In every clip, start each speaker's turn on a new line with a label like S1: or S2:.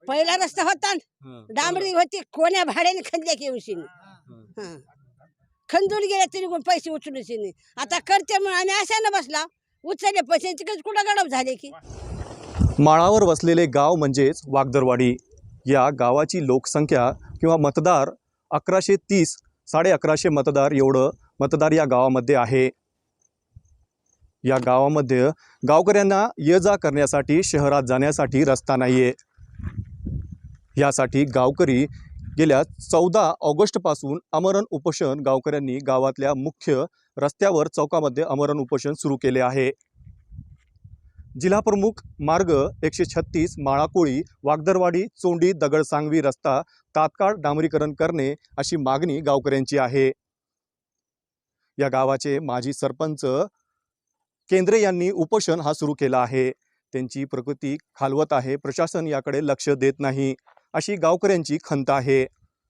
S1: पहिला रस्ता होता डांबरी होती, कोण्या भाड्याने खणल्या की उशीने खंदून गेले तरी कोण पैसे उचलूच नाही. आता करते म्हणून आम्ही अशाने बसला, उचलले पैशांची कुठं गडप झाले की.
S2: माळावर वसलेले गाव म्हणजेच वागदरवाडी. या गावाची लोकसंख्या किंवा मतदार 1130, 1150 मतदार एवढं मतदार या गावामध्ये आहे. या गावामध्ये गावकऱ्यांना ये जा करण्यासाठी शहरात जाण्यासाठी रस्ता नाही आहे. यासाठी गावकरी गेल्या 14 ऑगस्टपासून आमरण उपोषण गावकऱ्यांनी गावातल्या मुख्य रस्त्यावर चौकामध्ये आमरण उपोषण सुरू केले आहे. जिल्हाप्रमुख मार्ग 136 माळाकोळी वागदरवाडी चोंडी दगडसांगवी रस्ता तात्काळ डांबरीकरण करणे अशी मागणी गावकऱ्यांची आहे. या गावाचे माजी सरपंच केंद्रे यांनी उपोषण हा सुरू केला आहे. त्यांची प्रकृती खालवत आहे, प्रशासन याकडे लक्ष देत नाही अशी गावकऱ्यांची खंत आहे.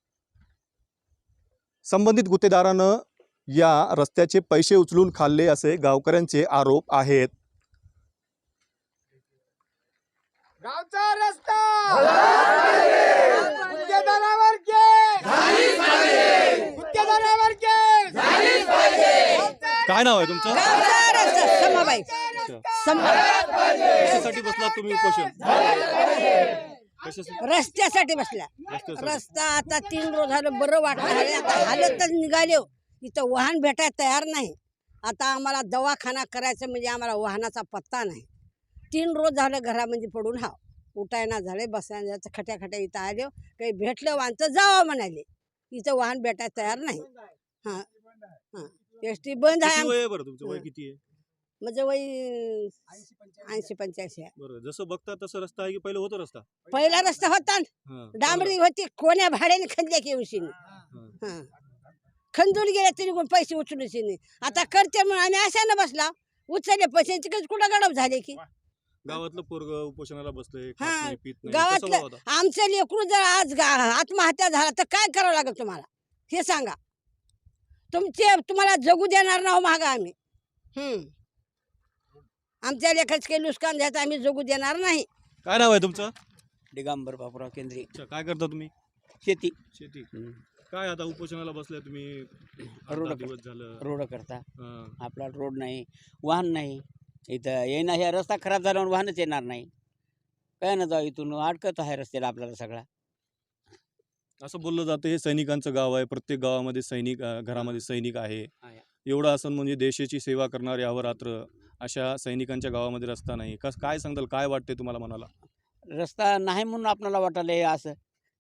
S2: संबंधित गुत्तेदारानं या रस्त्याचे पैसे उचलून खाल्ले असे गावकऱ्यांचे आरोप आहेत.
S3: गावचा रस्ता गुत्तेदारावर
S2: काय नाव आहे तुमचं?
S1: समाबाई
S2: कशासाठी बसलात तुम्ही उपोषण?
S1: रस्त्यासाठी बसला. रस्ता आता 3 रोज झालं, बरं वाटलं. आता हालतच निघाले, इथं वाहन भेटायला तयार नाही. आता आम्हाला दवाखाना करायचं म्हणजे आम्हाला वाहनाचा पत्ता नाही. 3 रोज झालं घरामध्ये पडून उठायना झाले, बसायला खट्या इथं आले, काही भेटलं वाहन तर जावं म्हणाले. इथं वाहन भेटायला तयार नाही. हां हां एसटी बंद आहे.
S2: तुमचं वय किती आहे?
S1: म्हणजे वय 80-85 आहे.
S2: बरं, जसं बघता तसं रस्ता आहे की पहिलं होतं रस्ता?
S1: पहिला रस्ता होता डांबरी होती, कोण्या भाड्याने खणल्या की उशीने खंदून गेले तरी कोण पैसे उचलूच नाही. आता करते म्हणून आम्ही अशाने बसला, उचलले पैशांची कुठं गडप झाले की.
S2: गावातलं पोरग उपोषणाला बसलंय,
S1: गावातलं आमचं लेकरू जर आज आत्महत्या झाला तर काय करावं लागेल तुम्हाला हे सांगा. तुम्हाला जगू देणार ना मागा आम्ही. आमच्या लेखाचं काही नुकसान द्यायचं आम्ही जगू देणार नाही.
S2: काय नाव आहे तुमचं?
S4: दिगंबर बापूराव केंद्रे.
S2: काय करता तुम्ही?
S4: शेती.
S2: काय आता उपोषणाला बसलाय तुम्ही? दिवस झालं
S4: रोड करता. आपला रोड नाही, वाहन नाही. इथं येणं, ह्या रस्ता खराब झाल्यावर वाहनच येणार नाही. काय ना जाऊ, इथून अडकत आहे रस्त्याला आपल्याला सगळा.
S2: असं बोललं जातं हे सैनिकांचं गाव आहे, प्रत्येक गावामध्ये सैनिक, घरामध्ये सैनिक आहे. एवढं असं म्हणजे देशाची सेवा करणार यावर रात्र अशा सैनिकांच्या गावामध्ये रस्ता नाही. काय सांगताल, काय वाटते तुम्हाला मनाला?
S4: रस्ता नाही म्हणून आपल्याला वाटायला असं.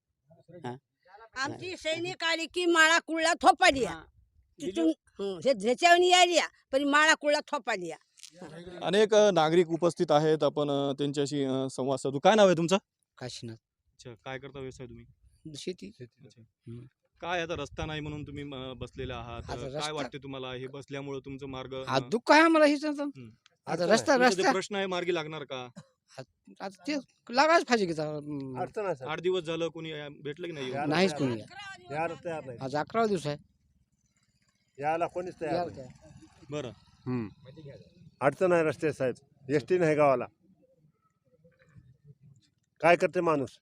S1: आमची सैनिक आली की माळा कुळला थोपाली तिथून ह्याच्यावर आली, पण माळा कुळला थोपाली.
S2: अनेक नागरिक उपस्थित आहेत, आपण त्यांच्याशी संवाद साधू. काय नाव आहे तुमचं?
S4: काशीनाथ.
S2: अच्छा, काय करता व्यवसाय तुम्ही?
S4: शेती.
S2: काय आता रस्ता नाही म्हणून तुम्ही बसलेले आहात, काय वाटते तुम्हाला? हे बसल्यामुळे तुमचं मार्ग
S4: दुःख आहे आम्हाला. आता रस्ता
S2: प्रश्न आहे, मार्गी लागणार का?
S4: आता ते लागायच पाहिजे की.
S2: 8 दिवस झालं, कोणी भेटलं की नाही?
S4: नाहीच कोणी. आज 11वा दिवस आहे.
S5: याला कोणीच तयार नाही.
S2: बरं,
S5: अडचण आहे रस्ते साहेब, एसटी नाही गावाला. काय करते माणूस?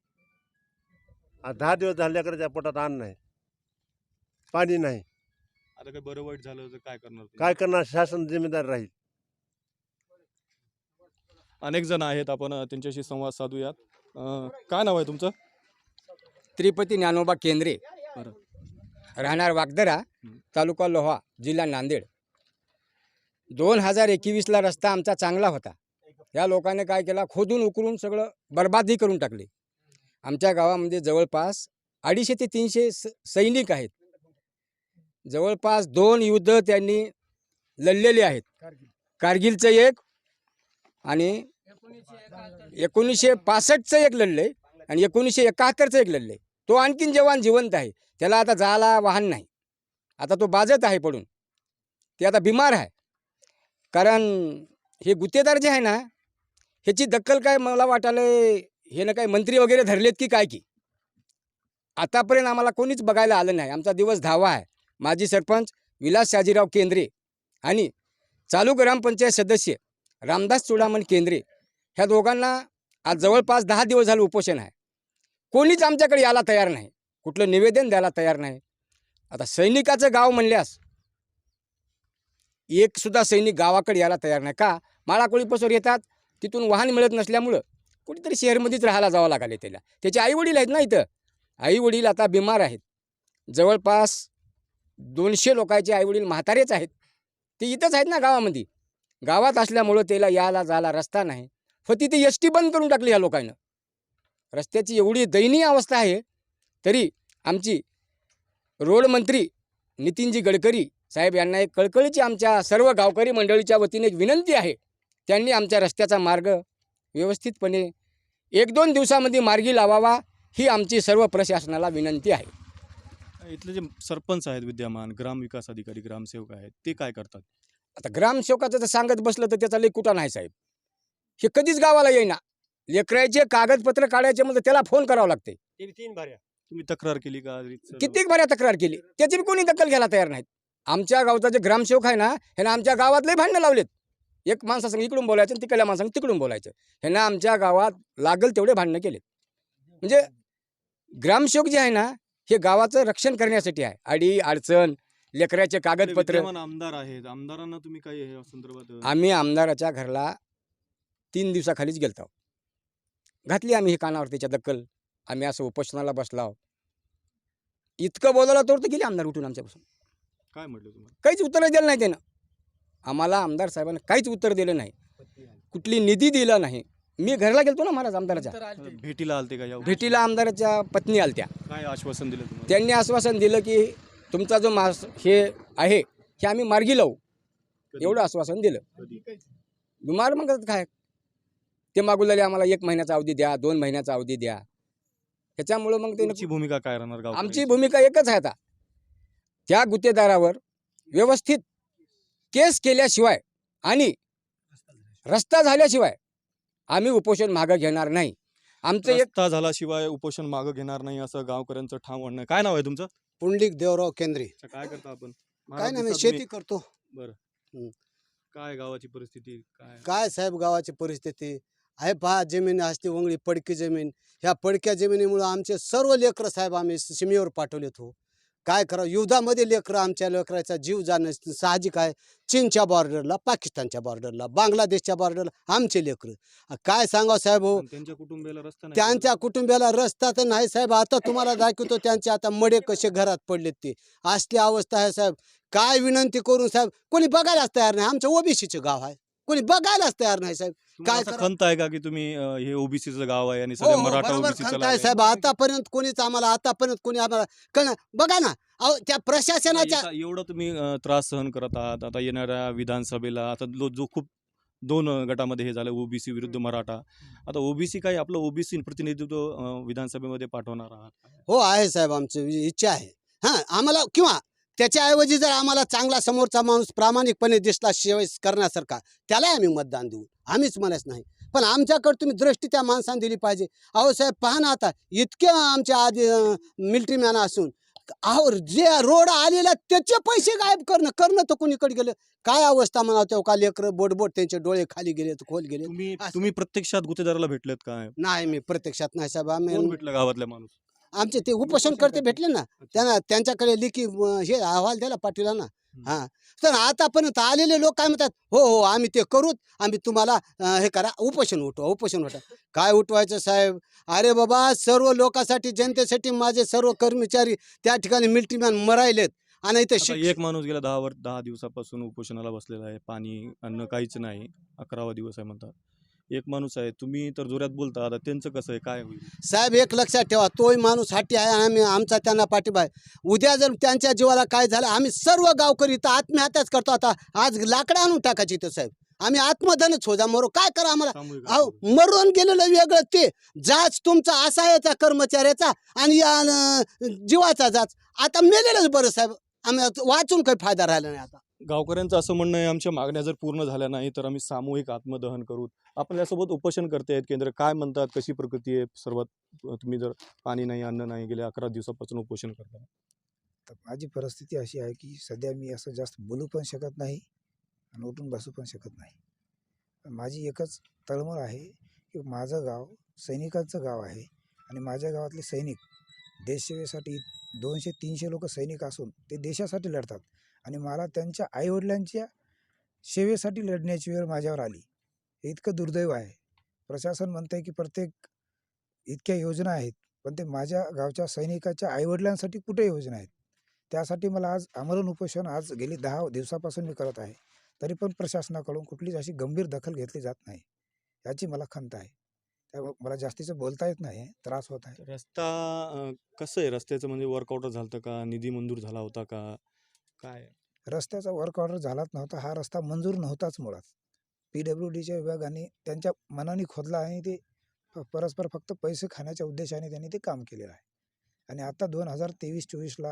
S5: 10 दिवस झाल्याकडे त्या पोटात अन्न नाही, पाणी नाही.
S2: आता काय बरं वाईट झालं तर काय करणार?
S5: काय करणार? शासन जिम्मेदार राहील.
S2: अनेक जण आहेत, आपण त्यांच्याशी संवाद साधूयात. काय नाव आहे तुमचं?
S6: त्रिपती ज्ञानोबा केंद्रे. राहणार वागदरा, तालुका लोहा, जिल्हा नांदेड. 2021ला रस्ता आमचा चांगला होता. या लोकांनी काय केला, खोदून उकरून सगळं बर्बादी करून टाकली. आमच्या गावामध्ये जवळपास 250 ते 300 सैनिक आहेत. जवळपास 2 युद्ध त्यांनी लढलेले आहेत. कारगिलचं एक आणि 1965चं एक लढले आणि 1971चं एक लढले. तो आणखीन जवान जिवंत आहे. त्याला आता जायला वाहन नाही. आता तो बाजत आहे पडून. ते आता बिमार आहे. कारण हे गुत्तेदार जे आहे ना, ह्याची दखल काय मला वाटायला हे ना काय मंत्री वगैरे धरलेत की काय की. आतापर्यंत आम्हाला कोणीच बघायला आलं नाही. आमचा दिवस धावा आहे. माजी सरपंच विलास शाजीराव केंद्रे आणि चालू ग्रामपंचायत सदस्य रामदास चुडामण केंद्रे ह्या दोघांना आज जवळपास 10 दिवस झाले उपोषण आहे. कोणीच आमच्याकडे यायला तयार नाही, कुठलं निवेदन द्यायला तयार नाही. आता सैनिकाचं गाव म्हणल्यास एक सुद्धा सैनिक गावाकडे यायला तयार नाही. का? माळाकोळीपासून येतात, तिथून वाहन मिळत नसल्यामुळं कुठेतरी शहरमध्येच राहायला जावं लागले त्याला. त्याचे आईवडील आहेत ना इथं, आईवडील आता बिमार आहेत. जवळपास 200 लोकांचे आईवडील म्हातारेच आहेत. ते इथंच आहेत ना गावामध्ये. गावात असल्यामुळं त्याला यायला जायला रस्ता नाही. फक्त ती एस टी बंद करून टाकली ह्या लोकांना. रस्त्याची एवढी दयनीय अवस्था आहे. तरी आमची रोड मंत्री नितीनजी गडकरी साहेब यांना एक कळकळीची आमच्या सर्व गावकरी मंडळीच्या वतीने एक विनंती आहे. त्यांनी आमच्या रस्त्याचा मार्ग व्यवस्थितपणे 1-2 दिवसामध्ये मार्गी लावावा, ही आमची सर्व प्रशासनाला विनंती आहे.
S2: इथले जे सरपंच आहेत विद्यमान, ग्रामविकास अधिकारी, ग्रामसेवक आहेत, ते काय करतात?
S6: आता ग्रामसेवकाचं जर सांगत बसलं तर त्याचा लई कुठा नाही साहेब. हे कधीच गावाला येईना. लेकराचे कागदपत्र काढायचे म्हणजे त्याला फोन करावं लागते.
S2: तुम्ही तक्रार केली का?
S6: कित्येक बऱ्या तक्रार केली, त्याची बी कोणी दखल घ्यायला तयार नाहीत. आमच्या गावचा जे ग्रामसेवक आहे ना, ह्यानं आमच्या गावात लई भांडणं लावलेत. एक माणसासंग इकडून बोलायचं आणि तिकडल्या माणसांग तिकडून बोलायचं. ह्यानं आमच्या गावात लागल तेवढे भांडणं केलेत. म्हणजे ग्रामसेवक जे आहे ना, हे गावाचं रक्षण करण्यासाठी आहे. अडी अडचण, लेकराचे कागदपत्र.
S2: विद्यमान आमदार आहेत, आमदारांना तुम्ही काय या संदर्भात?
S6: आम्ही आमदाराच्या घरला 3 दिवसाखालीच गेलतो. घातली आम्ही ही कानावर त्याच्या दखल. आम्ही असं उपोषणाला बसलाव. इतकं बोलायला तर गेले आमदार उठून आमच्यापासून.
S2: काय म्हटलं तुम्हाला?
S6: काहीच उत्तर दिलं नाही त्यानं. आम्हाला आमदार साहेबांना काहीच उत्तर दिलं नाही, कुठली निधी दिला नाही. मी घरला गेलतो ना महाराज आमदाराच्या
S2: भेटीला आलते का?
S6: भेटीला आमदाराच्या पत्नी आलत्या.
S2: काय आश्वासन दिलं तुम्हाला?
S6: त्यांनी आश्वासन दिलं की तुमचा जो हे आहे हे आम्ही मार्गी लावू, एवढं आश्वासन दिलं. बिमार मग काय ते मागू लागले, आम्हाला 1 महिन्याचा अवधी द्या, 2 महिन्याचा अवधी द्या. ह्याच्यामुळं मग
S2: तुमची भूमिका काय राहणार? गाव
S6: आमची भूमिका एकच आहे आता, त्या गुत्तेदारावर व्यवस्थित केस केल्याशिवाय आणि रस्ता झाल्याशिवाय आम्ही उपोषण मागं घेणार नाही. आमचं एक
S2: रस्ता झाल्याशिवाय उपोषण मागं घेणार नाही, असं गावकऱ्यांचं ठाम म्हणणं आहे. काय नाव आहे तुमचं?
S7: पुंडलिक देवराव केंद्रे.
S2: अच्छा, काय करता आपण?
S7: काय नाही, मी
S2: महाराज
S7: शेती
S2: दिसतात
S7: करतो.
S2: तुम्ही. काय गावाची परिस्थिती काय?
S7: काय साहेब गावाची परिस्थिती आहे पहा. जमीन असते वंगळी पडकी जमीन. ह्या पडक्या जमिनीमुळे आमचे सर्व लेकरं साहेब आम्ही सीमेवर पाठवलेत. हो काय करावं, युद्धामध्ये लेकरं, आमच्या लेकराचा जीव जाणं साहजिक आहे. चीनच्या बॉर्डरला, पाकिस्तानच्या बॉर्डरला, बांगलादेशच्या बॉर्डरला आमचे लेकरं. काय सांगावं साहेब हो,
S2: पण त्यांच्या कुटुंबियाला रस्ता नाही.
S7: त्यांच्या कुटुंबियाला रस्ता तर नाही साहेब. आता तुम्हाला दाखवतो त्यांचे आता मडे कसे घरात पडलेत ते. असली अवस्था आहे साहेब. काय विनंती करून साहेब, कोणी बघायलाच तयार नाही. आमचं ओबीसीचं गाव आहे, कोणी बघायलाच तयार नाही साहेब.
S2: तुम्हाला
S7: काय
S2: असं
S7: करावं?
S2: खंत आहे का की तुम्ही हे ओबीसीचं गाव आहे आणि
S7: हो
S2: सगळे
S7: हो,
S2: मराठा
S7: बरोबर
S2: ओबीसी
S7: खंत आहे साहेब. आतापर्यंत कोणीच आम्हाला, आतापर्यंत कोणी आम्हाला कळलं बघा ना. अहो त्या प्रशासनाच्या
S2: एवढं तुम्ही त्रास सहन करत आहात. आता येणाऱ्या विधानसभेला आता जो खूप 2 गटामध्ये हे झालं, ओबीसी विरुद्ध मराठा. आता ओबीसी काय आपलं ओबीसी प्रतिनिधित्व विधानसभेमध्ये पाठवणार आहात?
S7: हो आहे साहेब, आमची इच्छा आहे. हां आम्हाला, किंवा त्याच्याऐवजी जर आम्हाला चांगला समोरचा माणूस प्रामाणिकपणे दिसला सेवा करण्यासारखा, त्याला आम्ही मतदान देऊ. आम्हीच म्हणत नाही, पण आमच्याकडे तुम्ही दृष्टी त्या माणसाने दिली पाहिजे. अहो साहेब पहा ना, आता इतके आमच्या आधी मिलिटरी मॅन असून अहो जे रोड आलेला त्याचे पैसे गायब करणं तर कोणीकडे गेलं. काय अवस्था म्हणा तेव्हा, का लेकरं बोट त्यांचे डोळे खाली गेले, खोल गेले.
S2: तुम्ही प्रत्यक्षात गुत्तेदाराला भेटलेत काय?
S7: नाही मी प्रत्यक्षात नाही साहेब.
S2: कोण
S7: आम्ही
S2: भेटलं गावातल्या माणूस?
S7: आमचे ते उपोषण करते भेटले ना, त्यांच्याकडे लिखी हे अहवाल द्यायला पाठवला ना. हां तर आतापर्यंत आलेले लोक काय म्हणतात, हो हो आम्ही ते करूत, आम्ही तुम्हाला हे करा, उपोषण उठवा. काय उठवायचं साहेब? अरे बाबा, सर्व लोकांसाठी, जनतेसाठी माझे सर्व कर्मचारी त्या ठिकाणी मिलिटरी मॅन मरायलेत. आणि इथे
S2: एक माणूस गेला 10 दिवसापासून उपोषणाला बसलेला आहे. पाणी अन्न काहीच नाही. 11वा दिवस आहे म्हणतात. एक माणूस आहे, तुम्ही तर जोरात बोलता. आता त्यांचं कसं आहे, काय होईल?
S7: साहेब एक लक्षात ठेवा, तोही माणूस हाटी आहे, आम्ही आमचा त्यांना पाठिंबा आहे. उद्या जर त्यांच्या जीवाला काय झालं, आम्ही सर्व गावकरी तर आत्महत्याच करतो. आता आज लाकडं आणून टाकायची तर साहेब, आम्ही आत्मधनच हो जा, मरो काय करा आम्हाला.
S2: सामूहिक
S7: अहो मरून गेलेलं वेगळं, ते जाच तुमचा असा याचा कर्मचाऱ्याचा आणि या जीवाचा जाच. आता मेलेलंच बरं साहेब. आम्ही वाचून काही फायदा राहिला नाही. आता
S2: गावकऱ्यांचं असं म्हणणं आहे, आमच्या मागण्या जर पूर्ण झाल्या नाही तर आम्ही सामूहिक आत्मदहन करू. आपल्यासोबत उपोषण करते आहेत केंद्र, काय म्हणतात, कशी प्रकृती आहे सर्वात? तुम्ही जर पाणी नाही, अन्न नाही, गेल्या 11 दिवसापासून उपोषण करता.
S8: तर माझी परिस्थिती अशी आहे की सध्या मी असं जास्त बोलू पण शकत नाही आणि उठून बसू पण शकत नाही. माझी एकच तळमळ आहे की माझं गाव सैनिकांचं गाव आहे आणि माझ्या गावातले सैनिक देशसेवेसाठी 200-300 लोक सैनिक असून ते देशासाठी लढतात आणि मला त्यांच्या आईवडिलांच्या सेवेसाठी लढण्याची वेळ माझ्यावर आली. हे इतकं दुर्दैव आहे. प्रशासन म्हणतंय की प्रत्येक इतक्या योजना आहेत, पण ते माझ्या गावच्या सैनिकाच्या आईवडिलांसाठी कुठे योजना आहेत? त्यासाठी मला आज आमरण उपोषण आज गेली 10 दिवसापासून मी करत आहे. तरी पण प्रशासनाकडून कुठलीच अशी गंभीर दखल घेतली जात नाही. याची मला खंत आहे. त्यामुळे मला जास्तीचं बोलता येत नाही, त्रास होत आहे.
S2: रस्ता कसं आहे? रस्त्याचं म्हणजे वर्कआउट झालं का? निधी मंजूर झाला होता का? काय?
S8: रस्त्याचा वर्क ऑर्डर झालाच नव्हता. हा रस्ता मंजूर नव्हताच मुळात. PWDच्या विभागाने त्यांच्या मनाने खोदला आणि ते परस्पर फक्त पैसे खाण्याच्या उद्देशाने त्यांनी ते काम केलेलं आहे. आणि आता 2023-24ला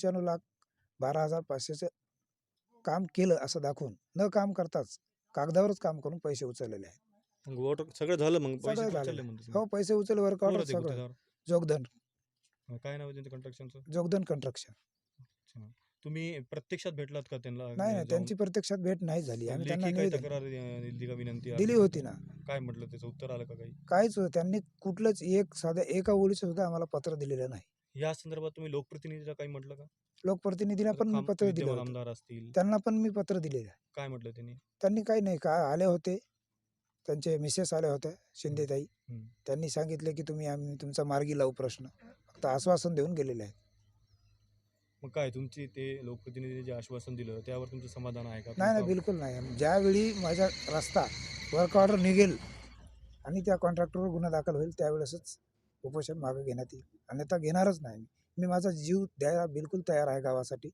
S8: 95,12,500चं काम केलं असं दाखवून न काम करताच कागदावरच काम करून पैसे उचललेले आहेत.
S2: मग सगळं झालं, मग पैसे
S8: सगळं
S2: उचलले
S8: झालेलं
S2: म्हणते
S8: आहे.
S2: तुम्ही?
S8: हो, पैसे उचलले, वर्क
S2: कोण
S8: ऑर्डर
S2: होते
S8: सगळं.
S2: गुत्तेदार?
S8: जोगदंड
S2: काय नाव आहे त्यांचं कंस्ट्रक्शनचं?
S8: जोगदंड कंस्ट्रक्शन.
S2: तुम्ही प्रत्यक्षात भेटलात का त्यांना?
S8: नाही,
S2: जाऊन?
S8: त्यांची प्रत्यक्षात भेट नाही झाली. आम्ही त्यांना
S2: लेखी काही
S8: निवेदन
S2: तक्रार दिली का? विनंती
S8: दिली होती ना.
S2: काय म्हटलं? त्याचं उत्तर आलं का काही?
S8: काहीच त्यांनी कुठलंच साध्या एका ओळीचं सुद्धा आम्हाला पत्र दिलेलं नाही.
S2: या संदर्भात तुम्ही लोकप्रतिनिधीला काही म्हटलं का?
S8: लोकप्रतिनिधीला पण मी पत्र दिलं
S2: विद्यमान
S8: होतं.
S2: आमदार असतील,
S8: त्यांना पण मी पत्र दिलेलं आहे.
S2: काय म्हटलं त्यांनी?
S8: त्यांनी काही नाही, काय आले होते, त्यांचे मिसेस आल्या होत्या शिंदेताई.
S2: हम्म.
S8: त्यांनी सांगितले की आम्ही तुमचा मार्गी लावू प्रश्न. फक्त आश्वासन देऊन गेलेले आहेत.
S2: मग काय तुमची ते लोकप्रतिनिधीने जे आश्वासन दिलं त्यावर तुमचं समाधान आहे का?
S8: नाही, बिलकुल नाही. ज्यावेळी माझा रस्ता वर्क ऑर्डर निघेल आणि त्या कॉन्ट्रॅक्टरवर गुन्हा दाखल होईल त्यावेळेसच उपोषण मागे घेण्यात येईल. अन्यथा घेणारच नाही. मी माझा जीव द्यायला बिलकुल तयार आहे गावासाठी.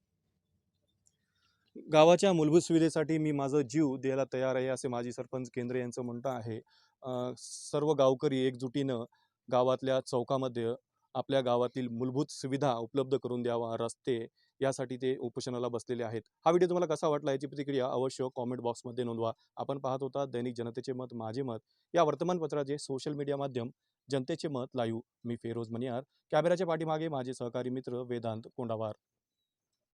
S2: गावाच्या मूलभूत सुविधेसाठी मी माझा जीव द्यायला तयार आहे, असे माजी सरपंच केंद्रे यांचं म्हणणं आहे. सर्व गावकरी एकजुटीनं गावातल्या चौकामध्ये आपल्या गावातील मूलभूत सुविधा उपलब्ध करून द्यावा, रस्ते, यासाठी ते उपोषणाला बसलेले आहेत. हा व्हिडिओ तुम्हाला कसा वाटला याची प्रतिक्रिया अवश्य कॉमेंट बॉक्समध्ये नोंदवा. आपण पाहत होता दैनिक जनतेचे मत माझे मत या वर्तमानपत्राचे सोशल मीडिया माध्यम जनतेचे मत लाईव्ह. मी फेरोज मनियार. कॅमेऱ्याच्या पाठीमागे माझे सहकारी मित्र वेदांत कोंडावार.